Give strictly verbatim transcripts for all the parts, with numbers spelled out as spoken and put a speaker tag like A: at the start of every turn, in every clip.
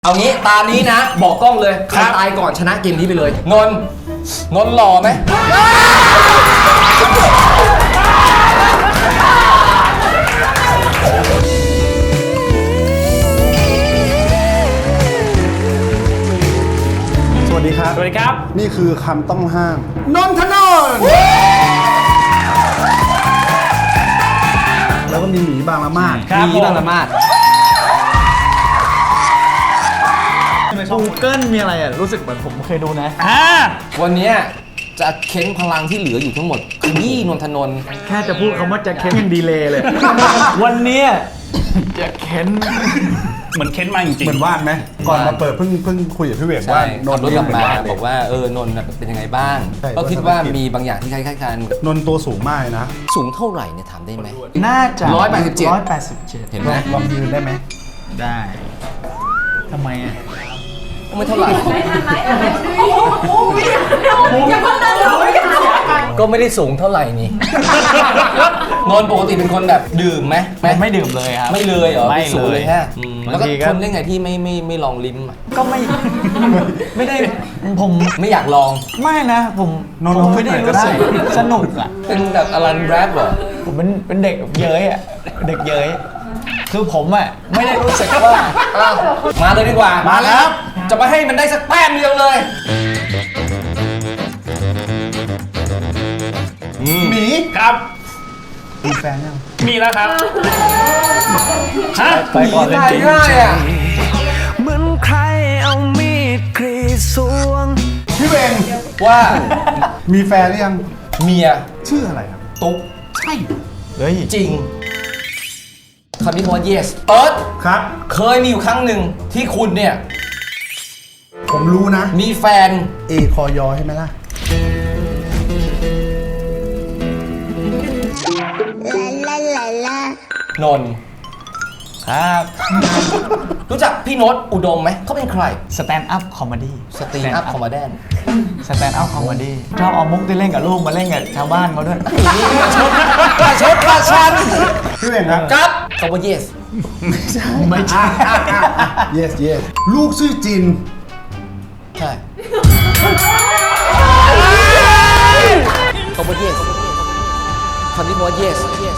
A: เอางี้ตามนี้นะบอกกล้องเลยใครตายก่อนชนะเกมนี้ไปเลยนนนนหล่อไหม
B: สวัสดีครับ
C: สวัสดีครับ
B: นี่คือคำต้องห้าม นนทนนท์แล้วก็มีหมีบางละมาด
C: ครับ
A: มีบางละมาด
D: Google มีอะไรอ่ะ รู้สึกเหมือนผมเคยดูนะ
C: อ่า
A: วันนี้จะเค้นพลังที่เหลืออยู่ทั้งหมดขยี้นนทนนท์
D: แค่จะพูดคำว่าจะเค้นยังดีเลยเลย วันเนี้ยจะเค้น
C: เหมือนเค้นมาจริง
B: เหมือนว่านไหม ก่อนมาเปิดเพิ่งเพิ่งคุยกับพี่เวกว่า
A: ใช่
B: น
A: น
B: น
A: น
B: ท์
A: รถ
B: นี่
A: กลับ
B: เป็น
A: มา
B: ว่าน
A: บอกว่าเออนนท์เป็นยังไงบ้าง
B: ใช่
A: ก็คิดว่ามีบางอย่างที่คล้ายๆกัน
B: นนท์ตัวสูงมากเลยนะ
A: สูงเท่าไหร่เนี่ยถามได้ไหม
D: น่าจะ
A: ร้อยแปดสิบเจ็ด
D: ร้อยแปดสิบเจ็ด
A: เห็นไหม
B: ลองยืนได้ไหม
D: ได้ทำไมอ่ะ
A: ไม่เท่าไหร่
E: อย่าเพิ่งเดินหนีกัน
A: ก็ไม่ได้สูงเท่าไหร่นี่ นนท์ปกติเป็นคนแบบดื่มไหม
D: ผมไม่ดื่มเลยครับ
A: ไม่เลยเหรอ
D: ไม่
A: ไม่สูง
D: เลย
A: เลยฮะอืม
D: บาง
A: แล้วก็
D: ทีก็
A: ทนได้ไงที่ไม่ไม่ไม่ลองลิ้มอะ
D: ก็ไม่ ไม่ได้ผม
A: ไม่อยากลอง
D: ไม่นะ ผม
B: นนท์
D: ผ
B: ลอ
D: ม
B: ง
D: ไม่ได้
B: หน่อยก็
D: รู้
B: ได้
D: สึกสนุกอ่ะ
A: เป็นแบบอลันแรปเหรอ
D: ผมเป็นเป็นเด็กเย้ยอ่ะ เด็กเย้ยคือผมอ่ะไม่ได้รู้สึกว่า
A: อ้าวมาเลยดีกว่า
B: มาแล้ว
A: จะมาให้มันได้สักแต้มเดียวเลย
B: หมี
C: ๆ ครับ
B: มีแฟนยัง
C: มีแล้วครับ ฮะ
D: ไปก่อนเลย
A: ง่ายง่ายอ่ะ
F: เหมือนใครเอามีดกรีดสวง
B: พี่เวง
A: ว่า
B: มีแฟนหรือยัง
A: เมีย
B: ชื่ออะไรครับ
A: ตุ๊ก
B: ใช่
D: เฮ้ย
A: จริงคำนี้คำว่า yes เอิร์ธ
B: ครับ
A: เคยมีอยู่ครั้งหนึ่งที่คุณเนี่ย
B: ผมรู้นะ
A: มีแฟน
B: เอคอยอใช่ไหมล่ะ
A: นนท์
D: ครับ
A: รู้จักพี่โน้ตอุดมไหมเขาเป็นใคร
D: สแตนด์อัพคอมเมดี้
A: สตรีมอัพคอมเมดี้
D: สแตนด์อัพคอมเมดี้ชอบเอามุกที่เล่นกับลูกมาเล่นกับชาวบ้านเขาด้วย
A: ประชดประชัน
B: พี่เวงครับ
A: ครับคำว่า yes
D: ไม่ใช่
B: yes yes ลูกชื่อจิน
A: ใช่คำว่า yes คำนี้คำว่า yes yes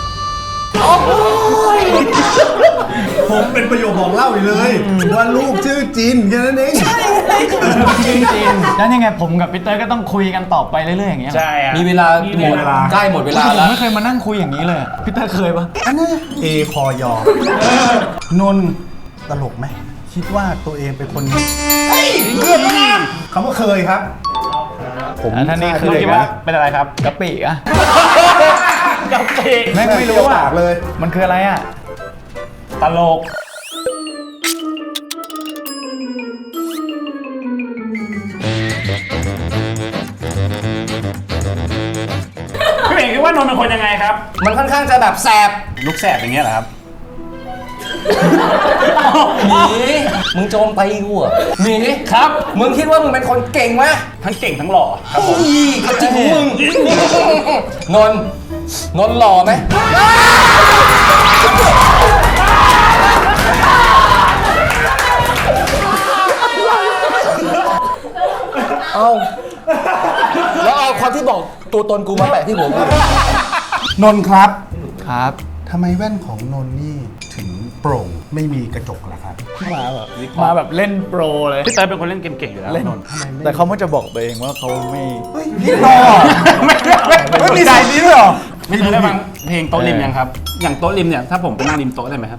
B: ผมเป็นประโยคบอกเล่าอยู่เลย ว่าลูกชื่อจินแค่นั้นเอง
D: จริงๆแล้วยังไงผมกับพีเตอร์ก็ต้องคุยกันต่อไปเรื่อยๆอย่างเงี้ย
C: ใช่อะ
A: มีเวลาหมดใกล้หมดเวลา
D: ผ
A: แล้
D: ม
A: ว
D: ไม่เคยมานั่งคุยอย่างนี้เลยพีเตอร์เคยปะ
B: อันนี้เอคอยอนนท์ตลกไหม คิดว่าตัวเองเป็นคนเกือบคำว่าเคยครับ ผม
D: ท่านนี้คือ
C: คิดว่าเป็นอะไรครับ
D: กะปิอะ
C: กะปิ
D: แม่งไม่รู้
B: ปา
D: อะ
B: กเลย
D: มันคืออะไรอะ
C: ตลก พี่เอกคิดว่านนท์เป็นคนยังไงครับ
A: มันค่อนข้างจะแบบแสบ
C: ลูกแสบอย่างเงี้ยเหรอครับ
A: หมีมึงโจมตีกูเหรอหมีครับ มึงคิดว่ามึงเป็นคนเก่งไหม
C: ทั้งเก่งทั้งหล่อครับผม
A: อีกระจิกของมึง นนท์นนท์หล่อไหมเอาแล้วเอาความที่บอกตัวตนกูมาแปะที่ผม
B: นนท์ครับ
D: ครับ
B: ทำไมแว่นของนนท์นี่ถึงโปร่งไม่มีกระจกล่ะครับ
D: มาแบบมาแบบเล่นโปรเลย
C: พี่เตยเป็นคนเล่นเกมเก่งอยู่แล้ว
D: เล่น
C: นนท์
D: แต่เขาไม่จะบอกตัวเองว่าเขาไม่
B: พี่รอไม่มีสายนี้ด้วยเหรอ
C: พี่เตยได้ฟังเพลงโต๊ะริมยังครับ อย่างโต๊ะริมเนี่ยถ้าผมไปนั่งริมโต๊ะได้ไหมครับ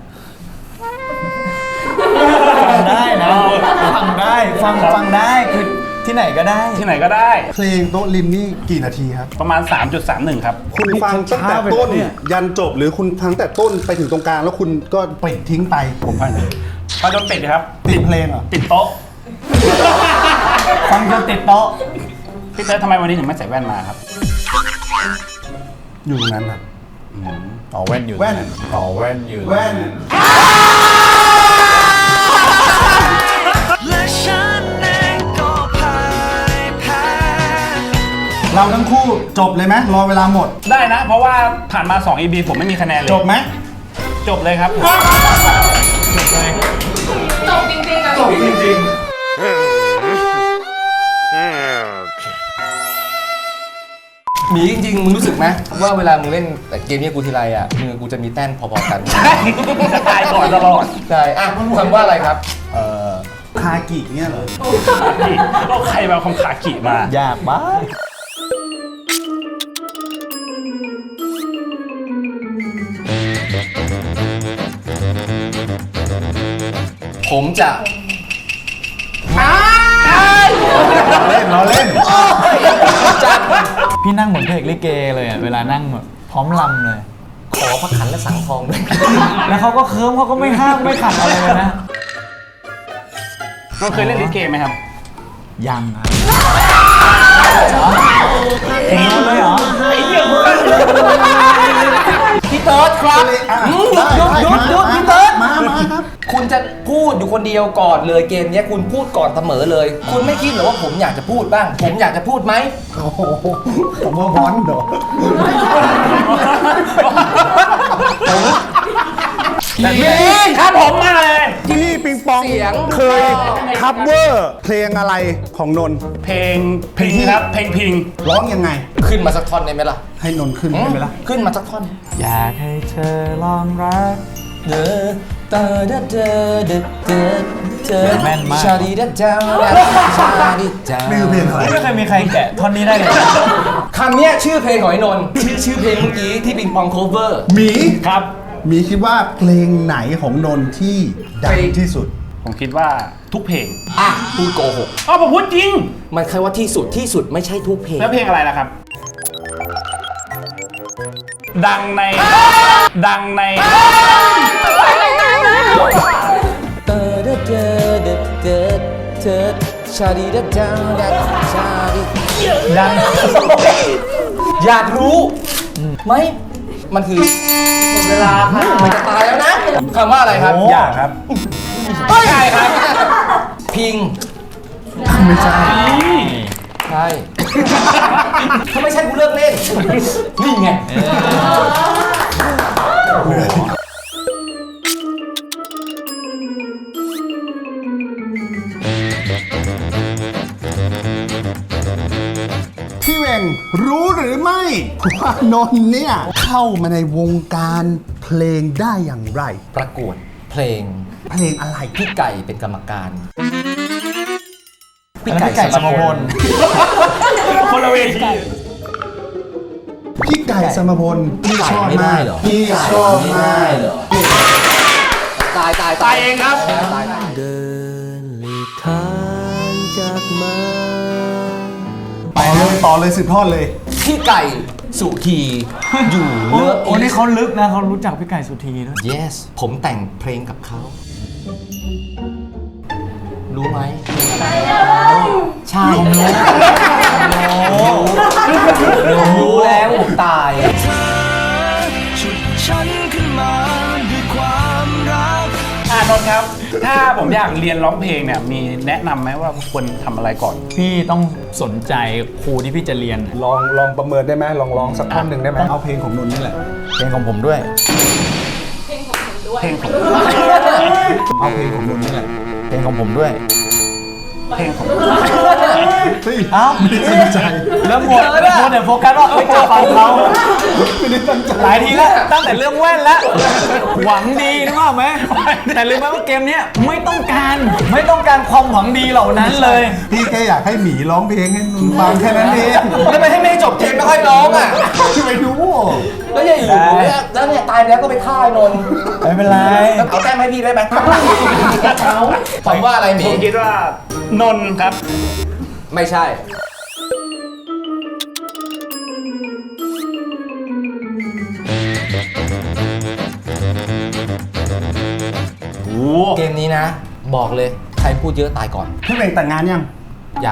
D: ฟังได้นะฟังได้ฟังฟังได้คือที่ไหนก็ได้
C: ที่ไหนก็ได้
B: เพลงโต๊ะริมนี่กี่นาทีครับ
C: ประมาณ สามจุดสามหนึ่ง ครับ
B: คุณฟังตั้งแต่ต้นยันจบหรือคุณฟังแต่ต้นไปถึงตรงกลางแล้วคุณก็ปิดทิ้งไป
C: ผมฟังฟังจนติดครับ
B: ติดเพลงเหรอ
C: ติดโต๊ะ
D: ฟังจนติดโต๊ะ
C: พี่เตยทำไมวันนี้ถึงไม่ใส่แว่นมาครับ
B: อยู่ตรงนั้นครับ
D: อ๋อแว่นอยู่
B: แว่น
D: อ๋อแว่นอยู่
B: แว่น
F: และฉันเองก็พ่ายแพ้
B: เราทั้งคู่จบเลยไหมรอเวลาหมด
C: ได้นะ เพราะว่าผ่านมาสอง อี พี ผมไม่มีคะแนนเลย
B: จบไหม
C: จบเลยครับ
E: จบจริงๆอะ
A: มึงรู้สึกไหมว่าเวลามึงเล่นเกมนี้กูทีไรอ่ะมึงกับกูจะมีแต้มพอๆกัน
C: ตายก่อนตลอด
A: ใช่อ่ะคำว่าอะไรครับ
B: เอ่อคากิเนี่ยเหรอ
C: นี่เราใครมาคำขากิมาย
D: ากมาก
A: ผมจะ
B: เล่นเราเล่น
D: พี่นั่งเหมือนเพลงลิเกเลยอ่ะเวลานั่งแบบพร้อมลำเลย
A: ขอพระขันและสังทองด้วย
D: แล้วเขาก็เคิร์มเขาก็ไม่ห้ามไม่ขัดอะไรเลยนะ
C: เราเคยเล่นลิเกไหมครับ
D: ยังครับเองเลยเหรอ
A: พี่เติร์ดครับอืมหยุดหยุดหยุดหยุดพี่เติร์ด
B: มามาครับ
A: คุณจะพูดอยู่คนเดียวก่อนเลยเกมเนี้ยคุณพูดก่อนเสมอเลย คุณไม่คิดเหรอว่าผมอยากจะพูดบ้าง ผมอยากจะพูดไหม
B: โอ้โหคำว่าบอลเหรอ
C: แต่นี่ครับผมมาเลย
B: พี่ปิงปอง
A: เสียง
B: เคยคัฟเวอร์เพลงอะไรของนนท์
C: เพลงพิงครับ เพลงพิง
B: ร้องยังไง
A: ขึ้นมาสักท่อนได้ไหมล่ะ
B: ให้นนท์ขึ้นได้ไหมล่ะ
A: ขึ้นมาสักท่อน
D: อยากให้เธอลองรัก
A: เดอเตอเดอเดอเดอเดอเดอ
D: แม่นมาก
A: ชาดีเดอเจ้าชาดีเจ้า
B: ไม่รู้เพลงอะไร
D: ไม่เคยมีใครแกะท่อนนี้ได้เลย
A: คำเนี้ยชื่อเพลงของไอ้นนท์ชื่อชื่อเพลงเมื่อกี้ที่ปิงปองโคเวอร์
B: หมี
C: ครับ
B: หมีคิดว่าเพลงไหนของนนท์ที่ดังที่สุด
C: ผมคิดว่าทุกเพลง
A: อ่ะพูดโกหก
C: อ๋อผมพูดจริง
A: มันแค่ว่าที่สุดที่สุดไม่ใช่ทุกเพลง
C: แล้วเพลงอะไรล่ะครับ ดังใน ดังใน
A: เตอเดอเดอเดอเดอเดอชาดีเดอเจ้าเดอชาดี
D: ดัง
A: อยากรู้ไหมมันคือหมดเวลาค่ะมันจะตายแล้วนะคำว่าอะไรครับ
D: อยากครับ
A: ไม่ใช่ครับ พิง
B: ไม่ใช่
A: ใช่ ถ้าไม่ใช่กูเลิกเล่น นี่ไง
B: พี่เวงรู้หรือไม่ว่านนท์เนี่ยเข้ามาในวงการเพลงได้อย่างไร
A: ประกวดเพลง
B: เพลงอะไร
A: พี่ไก่เป็นกรรมการ
D: พี่ไก่สมพล
C: คนละเวที
B: พี่ไก่สมพลพี่ชอบ
A: ไม่ได้
B: มาก
A: เหรอ
B: พี่ชอบ
A: ไม่
B: มา
A: ได้
B: ก
A: เหรอ ตายตาย
C: ตายเองครับ
A: ตายตาย
F: เดินหลีกทางจากมา
B: ต่อเลยต่อเลยสืบทอดเลย
A: พี่ไก่สุธีอยู่
D: โอ้
A: เลิฟ
D: โอ้นี่เขาลึกนะเขารู้จักพี่ไก่สุธีด้วย
A: yes ผมแต่งเพลงกับเขา รู้ไหมใช่ผมรู้ผมรู้แล้วผมตาย
F: ฉุดฉันขึ้นมาด้วยความรัก
C: อ่านนท์ครับ ถ้าผมอยากเรียนร้องเพลงเนี่ย มีแนะนำไหมว่าควรทำอะไรก่อน
D: พี่ต้องสนใจครูที่พี่จะเรียน
B: ลองลองประเมินได้ไหมลองร้องสักท่อนหนึ่งได้ไหมเอาเพลงของนนท์นี่แหละ
A: เพลงของผมด้วย
C: เพลงของ
B: เอาเพลงของนนท์นี่แหละ
A: เพลงของผมด้วย
C: เพลงของ
B: เฮ้ย
D: เอ้า
B: ไม่ได้ตั้งใจ
D: แล้วหมดหมดแต่โฟกัสว่าเอ้ยจะฟังเขา
B: ไม่ได้ตั้งใจ
D: หลายทีแล้วตั้งแต่เรื่องแว่นแล้ว หวังดีนึกออกไหมแต่ลืมไปว่าเกมเนี้ยไม่ต้องการไม่ต้องการความหวังดีเหล่านั้นเลย
B: พี่แค่อยากให้หมีร้องเพลงให้นนท์ฟังแค่นั้นเอง
A: แล้วไม่ให้ไม่จบเกมไม่ค่อยร้องอ่ะ
B: ไปดู
A: แล้วอย่าอยู่เนี่ยแล้วเนี่ยตายไปแล้วก็ไปฆ่าไอ้นนท์
D: ไม่เป็นไร
A: เอาแต้มให้พี่ได้ไหมเอาผมว่าอะไรหมี
C: ผมคิดว่านนท์ครับ
A: ไม่ใช่
C: โอ้
A: เกมนี้นะ บอกเลย ใครพูดเยอะตายก่อน
B: พี่เวงแต่งงานยัง
A: ยัง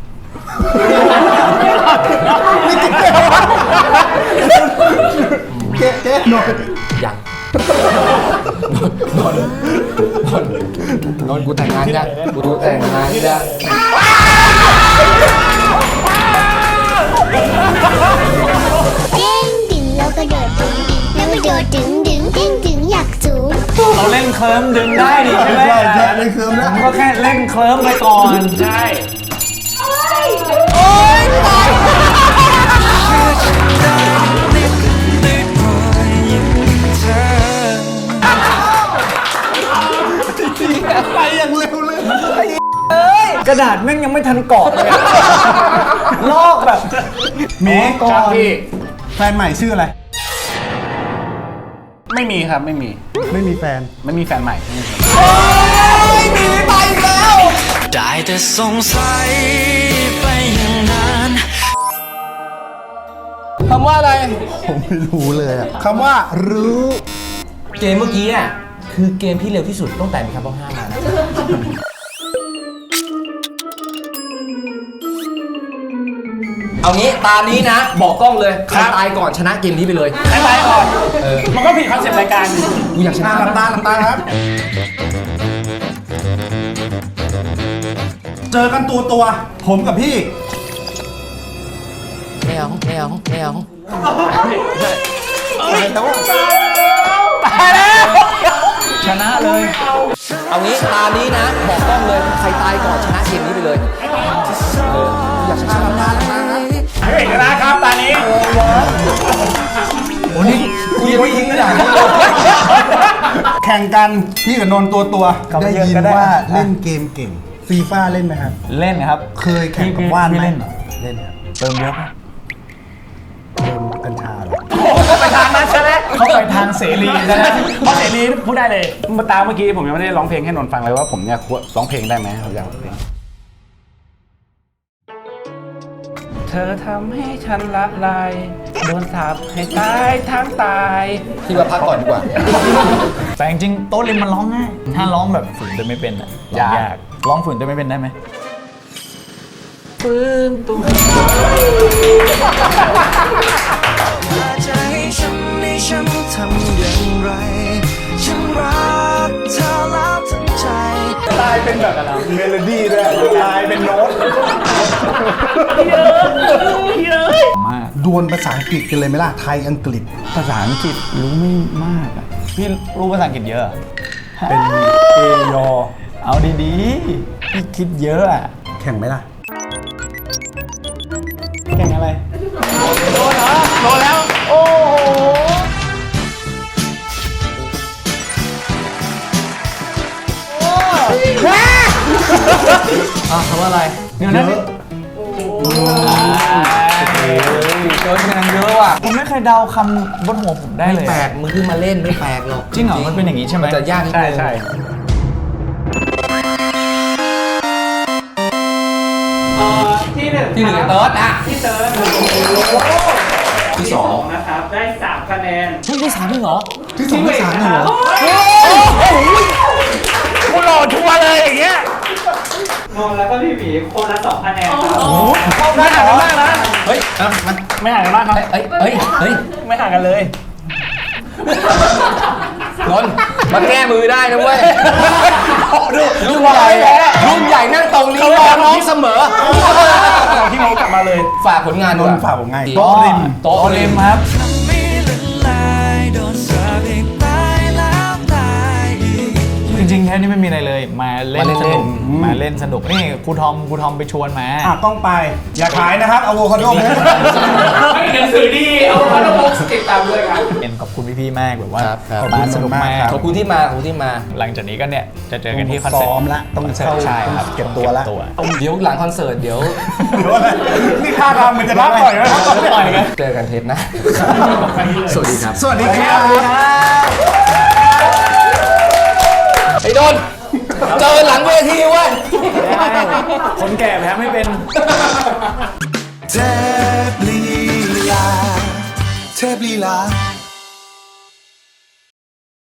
B: เก๊ะเก๊ะนนท์
A: ยังนนท์นนท์นนท์กูแต่งงานยังกูดูแต่งงานยัง
G: เด้งดึงแล้วก็โดดดึงแล้วก็โดดดึงดึงเด้งดึงอยากสูง
D: เราเล่นเคลิ้มดึงได้ดิใช่ไหม
B: ใช่ใช่ในเครื่อง
D: ผ
B: แล้ว
D: มก็แค่เล่นเคลิ้มไปก่อน
C: ใช่
F: ได้
B: อย่างเร็วเลย
D: เอ้ยกระดาษแม่งยังไม่ทันกรอบเลยอะลอกแบบ
B: หมีก่อ
C: ครับ
B: น
C: พี่
B: แฟนใหม่ชื่ออะไร
C: ไม่มีครับไม่มี
B: ไม่มีแฟน
C: ไม่มีแฟนใหม่ไม่มี
F: ได้แต่สงสัยไปอย่างนั้น
A: คำว่าอะไร
B: ผมไม่รู้เลยอะคำว่ารู้
A: เกมเมื่อกี้อ่ะคือเกมที่เร็วที่สุดตั้งแต่มีคำต้องห้ามมานะ เอางี้ตามนี้นะ บอกกล้องเลยใครตายก่อนชนะเกมนี้ไปเลย
C: ใครตายก่อน
A: เออ
C: มันก็ผิดคอนเซ็ปต์รายการ
A: กูอยากช
B: ห
A: นะ
B: น้าหลับตาหลับตาครับ เจอกันตัวตัวๆผมกับพี่
A: ไม่เอาไม่เอาไม่เอา
D: ชนะเลย
A: เอางี้ตามนี้นะ บอกกล้องเลยใครตายก่อนชนะเกมนี้ไปเลยเออกูอยากชนะหลับตาหลับตานะ
C: เฮ้ยนะครับตอนนี้
A: โอ้นี่กูยังไม่ทิ้งขนาดนี้เลย
B: แข่งกันพี่กับนนท์ตัวตัวๆ
D: กลับมา
B: ได้
D: เยอะ
B: ยิน
D: ก็ได้
B: ว่า
D: อ่ะ
B: เล่นเกมเก่งฟีฟ่าเล่นไหมครับ
D: เล่นครับ
B: เคยแข่งกับว่านไหม
D: พี่เล่นเหรอ
B: เล่นครับ
D: เติมเยอะปะ
B: เติมกัญชาเหรอ
C: ไปทางนั้นใช่ไหมเขาไปทางเสรีใช่ไหมเพราะเสรีพูดได้เลยเมื่อตามเมื่อกี้ผมยังไม่ได้ร้องเพลงให้นนท์ฟังเลยว่าผมเนี่ยร้องเพลงได้ไหมผมอยากร้องเพลงเธอทำให้ฉันละลายโดนสาปให้ตายทั้งตาย
A: พี่ว่าพักก่อนดีกว่า
D: แต่จริงๆโต๊ะริมมันร้องง่ายถ้าร้องแบบฝืนเต้นไม่เป็นอะร้องยากร้องฝืนเต้นไม่เป็นได้ไหม
C: ฟื้นตัว
F: อยากจะให้ฉันให้ฉันทำอย่างไร ฉันรักเธอแล้วทั้งใจ
B: ตายเป็นแบบเมโลดี้ด้วยตายเป็นโน้ต
D: มาก
B: ดวลภาษาอังกฤษกันเลยไหมล่ะ ไทยอังกฤษ
D: ภาษาอังกฤษรู้ไม่มากอะพี่รู้ภาษาอังกฤษเยอะอะ
B: เป็นเอยอ
D: เอาดีๆพี่คิดเยอะอะ
B: แข่งไหมล่ะ
D: แข่งอะไร
C: โดนแล้ว
A: อ่ะคำว่าอะไร
D: เดี๋ยวนะ
B: เยอะ
A: เจอคะแนนเยอะว่ะ
D: ผมไม่เคยเดาคำบนหัวผมได้
A: ไม่
D: เลย
A: แปลกมึงเพิ่งมาเล่นไม่แปลกหรอก
D: จริงเหรอมันเป็นอย่างนี้ใช่ไหม
A: นจะยากนิด
C: ใช่
A: นึง
C: ใช่
H: ที่หนึ่ง
A: ที่หนึ่งเติร์ดอ่ะ
H: ที่เติร์ด
A: ที่สอง
H: นะครับ ได้สามคะแนน
A: ที่ที่สามจริงเหรอ
B: ที่สองที่สามเหรอ
C: กูหล่อชัวร์เลยอย่างเงี้ย
H: นนท์แล้วก็พี่หมีคนละสองคะแนนครับ
C: ไม่ห่างกันมากนะ
A: เฮ้ยอ่ะมา
C: ไม่ห่างกันมากครับ
A: เฮ้ยเฮ้ยเฮ้ย
C: ไม่ห่างกันเลย
A: นนท์มาแก้มือได้นะเว้ยดูรุ่นใหญ่รุ่นใหญ่นั่งตรงนี้รอน้องเสมอ
C: ที่น้องกลับมาเลย
A: ฝากผลงาน
B: น
A: ด้วย
B: ท์ฝากผมไง
A: โต๊ะ
B: โต๊ะริม
A: โต๊ะ
D: โต๊ะ
A: ริ
D: ริ
A: ม
D: มครับ
F: ไม่ละลายโดนสาปให้ตายแล้วตายอีก
D: จริงๆแค่นี้ไม่มีอะไรเลย มาเล่นสนุกมาเล่นสนุกนี่ครูทอมครูทอมไปชวนมา
B: อ่ะต้องไป อย่าขายนะครับอะโวคาโดไหม
H: หนังสือดีเอาพันธบุ๊กติดตามด้วยครับ
D: เอ็นขอบคุณพี่ๆมากแบบว่า
A: ครับครับ
D: มาสนุกมาก
A: ขอบคุณที่มาขอบคุณที่มา
D: หลังจากนี้ก็เนี่ยจะเจอกันที่คอนเสิร์ต
B: ซ้อมละต้อง
D: คอนเสิร์
B: เข้า
D: ตใช่ครับ
B: เก็บตัวละ
A: เดี๋ยวหลังคอนเสิร์ตเดี๋ยว
B: หรือว่าอะไรนี่ท่าทางมันจะรับปล่อยไหมรับปล่อยไหม
A: เจอกันเทปหนะ สวัสดีครับ
B: สวัสดีครับ
A: ไอ้โดนเจอหลังเวทีเว้ย
D: คนแก่แพ้ไม่เป็น
F: เทพลีลา เทพลีลา